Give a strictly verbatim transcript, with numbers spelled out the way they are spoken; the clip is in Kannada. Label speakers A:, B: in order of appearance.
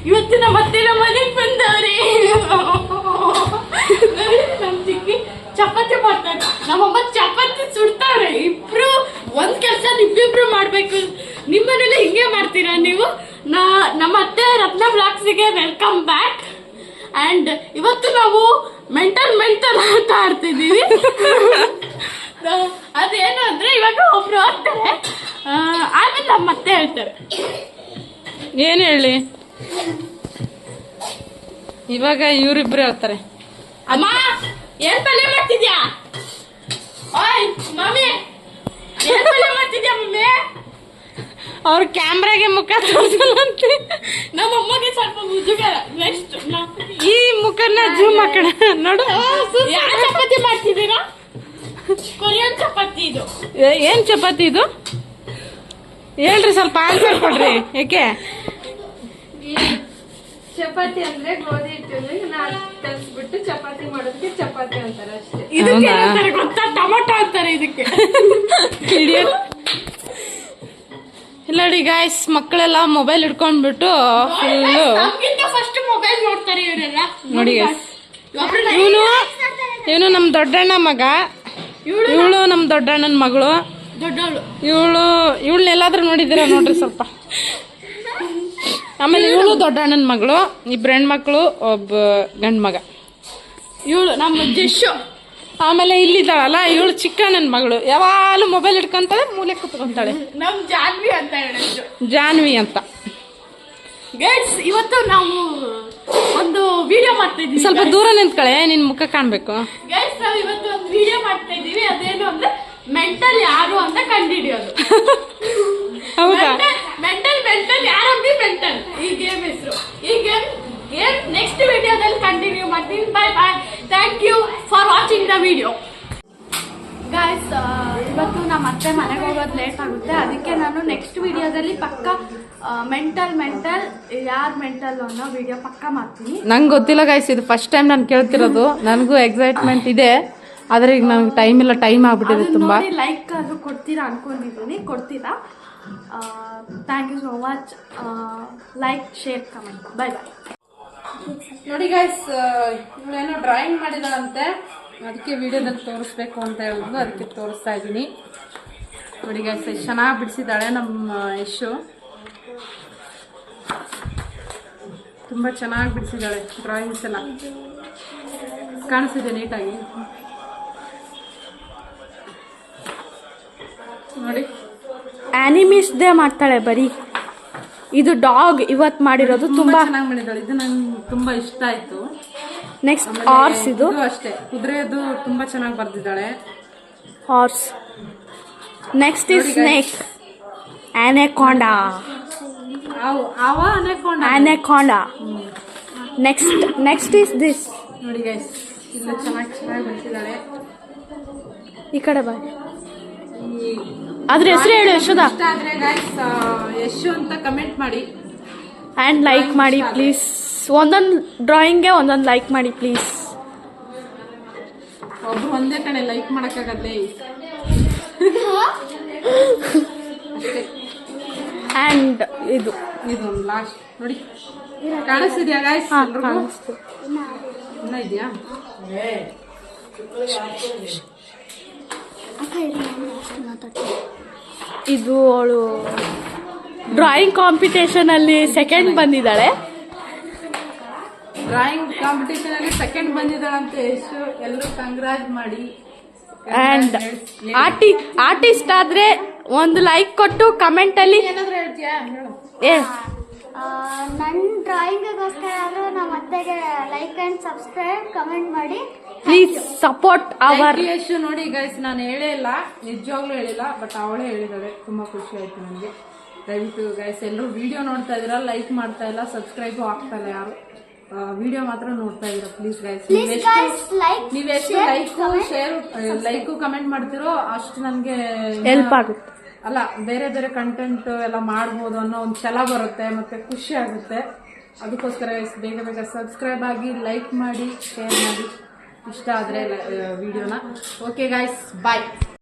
A: ಇವತ್ತು ನಮ್ಮ ಅತ್ತೆ ನಮ್ಮ ಮನೆಗೆ ಬಂದವ್ರೆ. ನಮ್ ಚಿಕ್ಕಿ ಚಪಾತಿ ಮಾಡ್ತಾರೆ, ನಮ್ಮಮ್ಮ ಚಪಾತಿ ಸುಡ್ತಾರೆ. ಇಬ್ರು ಒಂದ್ ಕೆಲ್ಸ ಇಬ್ಬಿಬ್ರು ಮಾಡ್ಬೇಕು. ನಿಮ್ಮನೇಲಿ ಹಿಂಗೆ ಮಾಡ್ತೀರಾ ನೀವು? ನಾ ನಮ್ಮ ಅತ್ತೆ ರತ್ನ ಬ್ಲಾಗ್ಸಿಗೆ ವೆಲ್ಕಮ್ ಬ್ಯಾಕ್. ಅಂಡ್ ಇವತ್ತು ನಾವು ಮೆಂಟಲ್ ಮೆಂಟಲ್ ಆಟ ಆಡ್ತಿದ್ದೀವಿ. ಅದೇನು ಅಂದ್ರೆ ಇವಾಗ ಒಬ್ರು ಹೋಗ್ತಾರೆ, ಆಮೇಲೆ ನಮ್ಮ ಅತ್ತೆ ಹೇಳ್ತಾರೆ.
B: ಏನ್ ಹೇಳಿ? ಇವಾಗ ಇವ್ರಿಬ್ರು ಹೇಳ್ತಾರೆ.
A: ಅಮ್ಮ ಏನ್ ಪಲ್ಯ ಮಾಡ್ತಿದ್ಯಾ? ಓಯ್ ಮಮ್ಮಿ ಏನ್ ಪಲ್ಯ ಮಾಡ್ತಿದ್ಯಾ ಮಮ್ಮಿ?
B: ಅವ್ರ ಕ್ಯಾಮ್ರಾಗೆ ಮುಖ ತೋರಿಸಲಂತೆ.
A: ನಮ್ಮ ಅಮ್ಮಗೆ ಸ್ವಲ್ಪ ಮುಜುಗರ. ನೆಕ್ಸ್ಟ್
B: ಈ ಮುಖನ ಜೂಮ್ ಹಾಕೋಣ ನೋಡು.
A: ಯಾವ ಚಪಾತಿ ಮಾಡ್ತಿದ್ದೀರಾ? ಕೊರಿಯನ್ ಚಪಾತಿ ಇದು.
B: ಏನ್ ಚಪಾತಿ ಇದು ಹೇಳ್ರಿ, ಸ್ವಲ್ಪ ಆನ್ಸರ್ ಕೊಡ್ರಿ. ಯಾಕೆ
C: ಚಪಾತಿ ಅಂದ್ರೆ ಗೋಧಿ ಹಿಟ್ಟಲ್ಲಿ ನಾಲ್ಕು ಕಲ್ಸ್ಬಿಟ್ಟು ಚಪಾತಿ ಮಾಡೋದಕ್ಕೆ ಚಪಾತಿ ಅಂತಾರೆ ಅಷ್ಟೇ.
A: ಇದಕ್ಕೆ ಏನಂತಾರೆ ಗೊತ್ತಾ? ಟೊಮೊಟೊ ಅಂತಾರೆ ಇದಕ್ಕೆ.
B: ಇಲ್ಲಡಿ ಗಾಯ್ಸ್, ಮಕ್ಕಳೆಲ್ಲ ಮೊಬೈಲ್ ಹಿಡ್ಕೊಂಡ್ಬಿಟ್ಟು ಫುಲ್ಲು
A: ಫಸ್ಟ್ ಮೊಬೈಲ್ ನೋಡ್ತಾರೆ ಇವರೆಲ್ಲ.
B: ನೋಡಿ ಗೈಸ್, ಇವನು ಇವನು ನಮ್ ದೊಡ್ಡಣ್ಣ ಮಗ, ಇವಳು ನಮ್ ದೊಡ್ಡಣ್ಣನ ಮಗಳು.
A: ದೊಡ್ಡವಳು
B: ಇವಳು ಇವಳನ್ನೆಲ್ಲಾದ್ರೂ ನೋಡಿದ್ದೀರಾ ನೋಡ್ರಿ ಸ್ವಲ್ಪ. ಆಮೇಲೆ ಇವಳು ದೊಡ್ಡಣ್ಣನ ಮಗಳು, ಇಬ್ರು ಹೆಣ್ಮಕ್ಳು, ಒಬ್ಬ ಗಂಡ್ ಮಗ.
A: ಇವಳು ನಮ್ಮ ಜಶ್ಶು.
B: ಆಮೇಲೆ ಇಲ್ಲಿದ್ದಾಳಲ್ಲ ಇವಳು ಚಿಕ್ಕಣ್ಣನ ಮಗಳು, ಯಾವಾಗಲೂ ಮೊಬೈಲ್ ಹಿಡ್ಕೊಂತಾಳೆ, ಮೂಲೆ ಕುತ್ಕೊಂತಾಳೆ.
A: ನಮ್ ಜಾನ್ವಿ ಅಂತ ಹೇಳೋದು,
B: ಜಾನ್ವಿ ಅಂತ.
A: ಗೈಸ್ ಇವತ್ತು ನಾವು ಒಂದು ವಿಡಿಯೋ ಮಾಡ್ತಾ ಇದೀವಿ.
B: ಸ್ವಲ್ಪ ದೂರ ನಿಂತ್ಕಳೆ, ನಿನ್ ಮುಖ ಕಾಣ್ಬೇಕು.
A: ಗೈಸ್ ನಾವು ಇವತ್ತು ಒಂದು ವಿಡಿಯೋ ಮಾಡ್ತಾ ಇದೀವಿ. ಅದೇನು ಅಂದ್ರೆ ಮೆಂಟಲ್ ಯಾರು ಅಂತ ಕಂಡುಹಿಡಿಯೋದು.
B: ಹೌದಾ?
A: ಮೆಂಟಲ್ ಮೆಂಟಲ್ ಯಾರಂದ್ರೆ ಮೆಂಟಲ್ ಈ ಗೇಮ್ ಹೆಸರು. ಈ ಗೇಮ್ ಗೇಮ್ ನೆಕ್ಸ್ಟ್ ವಿಡಿಯೋದಲ್ಲಿ ಕಂಟಿನ್ಯೂ ಮಾಡ್ತೀನಿ. Bye bye, thank you for watching the video. Guys ಇವತ್ತು ನಮ್ಮ ಅತ್ತೆ ಮನೆಗೆ ಹೋಗೋದು ಲೇಟ್ ಆಗುತ್ತೆ, ಅದಕ್ಕೆ ನಾನು ನೆಕ್ಸ್ಟ್ ವಿಡಿಯೋದಲ್ಲಿ ಪಕ್ಕ ಮೆಂಟಲ್ ಮೆಂಟಲ್ ಯಾರು ಮೆಂಟಲ್ ಅನ್ನೋ ವಿಡಿಯೋ ಪಕ್ಕ ಮಾಡ್ತೀನಿ.
B: ನಂಗೆ ಗೊತ್ತಿಲ್ಲ ಗೈಸ್, ಇದು ಫಸ್ಟ್ ಟೈಮ್ ನಾನು ಕೇಳ್ತಿರೋದು. ನನಗೂ ಎಕ್ಸೈಟ್ಮೆಂಟ್ ಇದೆ, ಆದ್ರೆ ಈಗ ನನಗೆ ಟೈಮ್ ಇಲ್ಲ, ಟೈಮ್ ಆಗ್ಬಿಟ್ಟಿದೆ ತುಂಬಾ.
A: ಲೈಕ್ ಅದು ಕೊಡ್ತೀರಾ ಅನ್ಕೊಂಡಿದ್ದೀನಿ, ಕೊಡ್ತೀರಾ? Thank you so much. Like, share, comment. Bye bye.
B: ನೋಡಿ ಗೈಸ್, ಇವಳೇನೋ ಡ್ರಾಯಿಂಗ್ ಮಾಡಿದಾಳಂತೆ, ಅದಕ್ಕೆ ವಿಡಿಯೋದಲ್ಲಿ ತೋರಿಸ್ಬೇಕು ಅಂತ ಹೇಳಿದ್ರು, ಅದಕ್ಕೆ ತೋರಿಸ್ತಾ ಇದ್ದೀನಿ. ನೋಡಿ ಗೈಸ್, ಎಷ್ಟು ಚೆನ್ನಾಗಿ ಬಿಡಿಸಿದ್ದಾಳೆ ನಮ್ಮ ಯಶು. ತುಂಬ ಚೆನ್ನಾಗಿ ಬಿಡಿಸಿದ್ದಾಳೆ ಡ್ರಾಯಿಂಗ್ಸ್ ಎಲ್ಲ, ಕಾಣಿಸ್ತಿದೆ ನೀಟಾಗಿ. ನೋಡಿ,
A: ಆನಿಮೀಸ್ದೇ ಮಾಡ್ತಾಳೆ ಬರೀ. ಇದು ಡಾಗ್ ಇವತ್ತು ಮಾಡಿರೋದು, ತುಂಬಾ
B: ಚೆನ್ನಾಗಿ ಮಾಡಿದ್ದಾಳೆ. ಇದು ನಂಗೆ ತುಂಬಾ ಇಷ್ಟ ಆಯ್ತು.
A: ನೆಕ್ಸ್ಟ್ ಹಾರ್ಸ್, ಇದು
B: ಅಷ್ಟೇ ಕುದುರೆದು ತುಂಬಾ ಚೆನ್ನಾಗಿ ಬರ್ದಿದ್ದಾಳೆ.
A: Horse. Next is snake, anaconda. Anaconda. Next next is this.
B: ನೋಡಿ ಗೈಸ್, ಇಲ್ಲ ಚೆನ್ನಾಗಿ ಚೆನ್ನಾಗಿ ಬರ್ತಿದ್ದಾಳೆ.
A: ಈ ಕಡೆ ಬಾ, ಅದ್ರ ಹೆಸರು ಹೇಳು ಯಶೋದ.
B: ಇಷ್ಟ ಆದ್ರೆ ಗೈಸ್ ಯಶು ಅಂತ ಕಮೆಂಟ್ ಮಾಡಿ
A: ಆ್ಯಂಡ್ ಲೈಕ್ ಮಾಡಿ ಪ್ಲೀಸ್. ಒಂದೊಂದು ಡ್ರಾಯಿಂಗ್ಗೆ ಒಂದೊಂದು ಲೈಕ್ ಮಾಡಿ ಪ್ಲೀಸ್.
B: ಒಬ್ರು ಒಂದೇ ಕಡೆ ಲೈಕ್ ಮಾಡಕ್ಕಾಗತ್ತೆ.
A: ಆ್ಯಂಡ್ ಇದು
B: ಇದು ಲಾಸ್ಟ್ ನೋಡಿ, ಕಾಣಿಸ್ತಿದ್ಯಾ ಗೈಸ್?
A: ಕಾಣಿಸ್ತು.
B: ಇನ್ನ ಇದೆಯಾ?
A: ಇದು ಅವಳು ಡ್ರಾಯಿಂಗ್ ಕಾಂಪಿಟೇಷನ್ ಅಲ್ಲಿ ಸೆಕೆಂಡ್ ಬಂದಿದ್ದಾಳೆ.
B: ಡ್ರಾಯಿಂಗ್ ಕಾಂಪಿಟೇಷನ್ ಅಲ್ಲಿ ಸೆಕೆಂಡ್ ಬಂದಿದ್ದಾಳಂತೆ ಯಶು. ಎಲ್ಲರೂ ಕಂಗ್ರಾಜ್ ಮಾಡಿ.
A: ಅಂಡ್ ಆರ್ಟಿ ಆರ್ಟಿಸ್ಟ್ ಆದ್ರೆ ಒಂದು ಲೈಕ್ ಕೊಟ್ಟು ಕಮೆಂಟ್ ಅಲ್ಲಿ
B: ಏನಾದ್ರು ಹೇಳ್ತೀಯಾ? ಹೇಳು.
A: ಏ
D: ನನ್ನ ಡ್ರಾಯಿಂಗಿಗೋಸ್ಕರ ಆದರೂ ನಮ್ಮ ಅತ್ತೆಗೆ ಲೈಕ್ ಆ್ಯಂಡ್ ಸಬ್ಸ್ಕ್ರೈಬ್ ಕಮೆಂಟ್ ಮಾಡಿ
A: ಪ್ಲೀಸ್ ಸಪೋರ್ಟ್ ಅವರ್
B: ಯಶು. ನೋಡಿ ಗೈಸ್, ನಾನು ಹೇಳೇ ಇಲ್ಲ, ನಿಜವಾಗ್ಲೂ ಹೇಳಿಲ್ಲ, ಬಟ್ ಅವಳೇ ಹೇಳಿದಾಳೆ. ತುಂಬಾ ಖುಷಿ ಆಯ್ತು ನನಗೆ. ದಯವಿಟ್ಟು ಗೈಸ್ ಎಲ್ಲರೂ ವಿಡಿಯೋ ನೋಡ್ತಾ ಇದೀರಾ, ಲೈಕ್ ಮಾಡ್ತಾ ಇಲ್ಲ, ಸಬ್ಸ್ಕ್ರೈಬ್ ಆಗ್ತಾ ಇಲ್ಲ ಯಾರು. ವಿಡಿಯೋ ಮಾತ್ರ ನೋಡ್ತಾ ಇದೀರಾ. ಪ್ಲೀಸ್ ಗೈಸ್, ನೀವೆಷ್ಟು ಲೈಕು ಶೇರ್ ಲೈಕು ಕಮೆಂಟ್ ಮಾಡ್ತಿರೋ ಅಷ್ಟು ನನಗೆ
A: ಹೆಲ್ಪ್ ಆಗುತ್ತೆ.
B: ಅಲ್ಲ, ಬೇರೆ ಬೇರೆ ಕಂಟೆಂಟ್ ಎಲ್ಲ ಮಾಡ್ಬೋದು ಅನ್ನೋ ಒಂದು ಛಲ ಬರುತ್ತೆ, ಮತ್ತೆ ಖುಷಿ ಆಗುತ್ತೆ. ಅದಕ್ಕೋಸ್ಕರ ಬೇಗ ಬೇಗ ಸಬ್ಸ್ಕ್ರೈಬ್ ಆಗಿ, ಲೈಕ್ ಮಾಡಿ, ಶೇರ್ ಮಾಡಿ, ಇಷ್ಟ ಆದರೆ ವಿಡಿಯೋನ. ಓಕೆ ಗಾಯ್ಸ್, ಬಾಯ್.